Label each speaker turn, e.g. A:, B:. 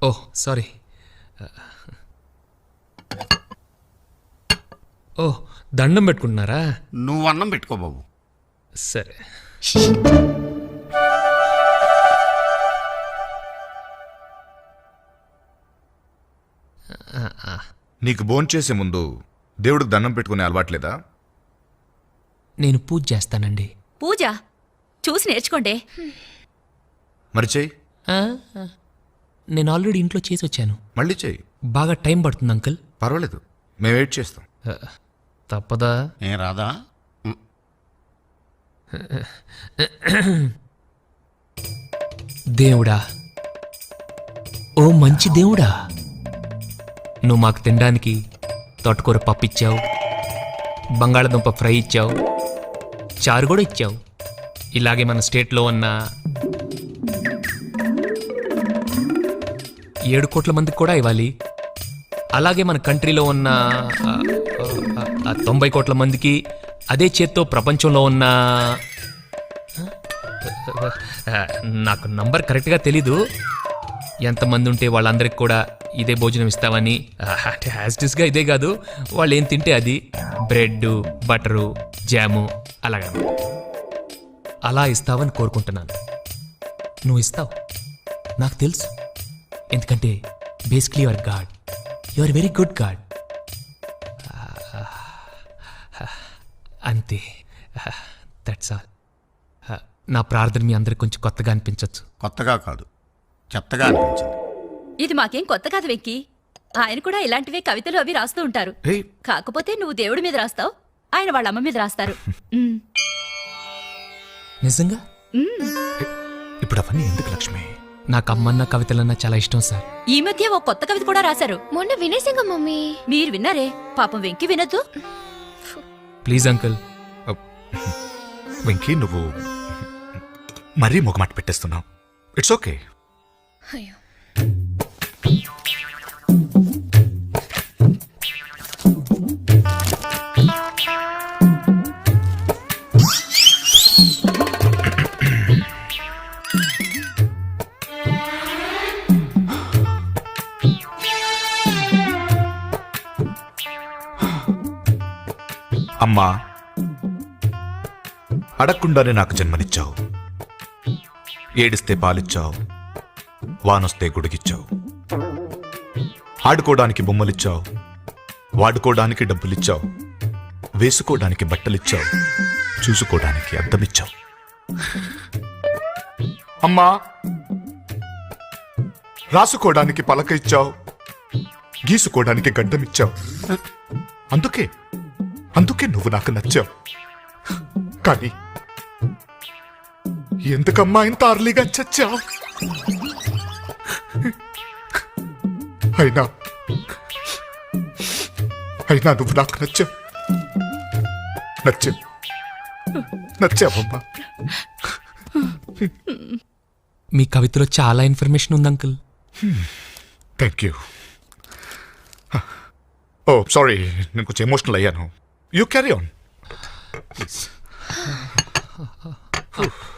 A: ఓహ్ sorry. ఓహ్ దండం పెట్టుకుంటున్నారా?
B: నువ్వు అన్నం పెట్టుకో బాబు.
A: సరే.
C: నీకు భోంచేసే ముందు దేవుడికి దండం పెట్టుకునే అలవాట్లేదా?
A: నేను పూజ చేస్తానండి.
D: పూజ చూసి నేర్చుకోండి.
C: మరి చెయ్యి.
A: నేను ఆల్రెడీ ఇంట్లో చేసి వచ్చాను.
C: మళ్ళీ చెయ్యి.
A: బాగా టైం పడుతుంది అంకుల్.
C: పర్వాలేదు, మేము వెయిట్ చేస్తాం.
A: తప్పదా?
B: ఏం రాదా?
A: దేవుడా, ఓ మంచి దేవుడా, నువ్వు మాకు తినడానికి తోటకూర పప్పు ఇచ్చావు, బంగాళదుంప ఫ్రై ఇచ్చావు, చారు కూడా ఇచ్చావు. ఇలాగే మన స్టేట్లో ఉన్న 7 కోట్ల మందికి కూడా ఇవ్వాలి. అలాగే మన కంట్రీలో ఉన్న 90 కోట్ల మందికి, అదే చేత్తో ప్రపంచంలో ఉన్న నాకు నంబర్ కరెక్ట్గా తెలీదు, ఎంతమంది ఉంటే వాళ్ళందరికీ కూడా ఇదే భోజనం ఇస్తావని. హ్యాస్టిస్గా ఇదే కాదు, వాళ్ళు ఏం తింటే అది, బ్రెడ్, బటరు, జాము అలాగా అలా ఇస్తావని కోరుకుంటున్నాను. నువ్వు ఇస్తావు, నాకు తెలుసు. ఎందుకంటే basically your god, your very good god. అంతే, దట్స్ ఆల్. నా ప్రార్థన మీ అందరికి కొంచెం కొత్తగా అనిపించవచ్చు.
B: కొత్తగా కాదు, చెత్తగా అనిపించింది.
D: ఇది మాకేం కొత్త కాదు వెంకీ. ఆయన కూడా ఇలాంటివే కవితలు అవి రాస్తూ ఉంటారు. కాకపోతే నువ్వు దేవుడి మీద రాస్తావు, ఆయన వాళ్ళ అమ్మ మీద రాస్తారు.
A: నిజంగా?
C: ఇప్పుడు అవన్నీ ఎందుకు లక్ష్మి?
A: నాకు అమ్మన్న కవితలన్నా చాలా ఇష్టం సార్.
D: ఈ మధ్య ఓ కొత్త కవిత కూడా రాశారు.
E: మొన్న వినేసింగ మమ్మీ.
D: మీరు విన్నారే? పాపం వెంకీ వినొద్దు.
A: Please uncle.
C: వెంకీ, నువ్వు మరీ మొగమాట పెట్టేస్తున్నావు. It's okay.
E: అయ్యో,
C: అమ్మా, అడగకుండానే నాకు జన్మనిచ్చావు. ఏడిస్తే పాలిచ్చావు, వానొస్తే గుడిగిచ్చావు. ఆడుకోవడానికి బొమ్మలిచ్చావు, వాడుకోవడానికి డబ్బులిచ్చావు, వేసుకోవడానికి బట్టలిచ్చావు, చూసుకోవడానికి అద్దమిచ్చావు. అమ్మా, రాసుకోవడానికి పలక ఇచ్చావు, గీసుకోవడానికి గడ్డమిచ్చావు. అందుకే నువ్వు నాకు నచ్చావు. కానీ ఎందుకమ్మా ఇంత అర్లీగా చచ్చావు? అయినా నువ్వు నాకు నచ్చావమ్మా.
A: మీ కవితలో చాలా ఇన్ఫర్మేషన్ ఉంది uncle.
C: Thank you. Oh sorry, నేను కొంచెం ఎమోషనల్ అయ్యాను. You carry on please.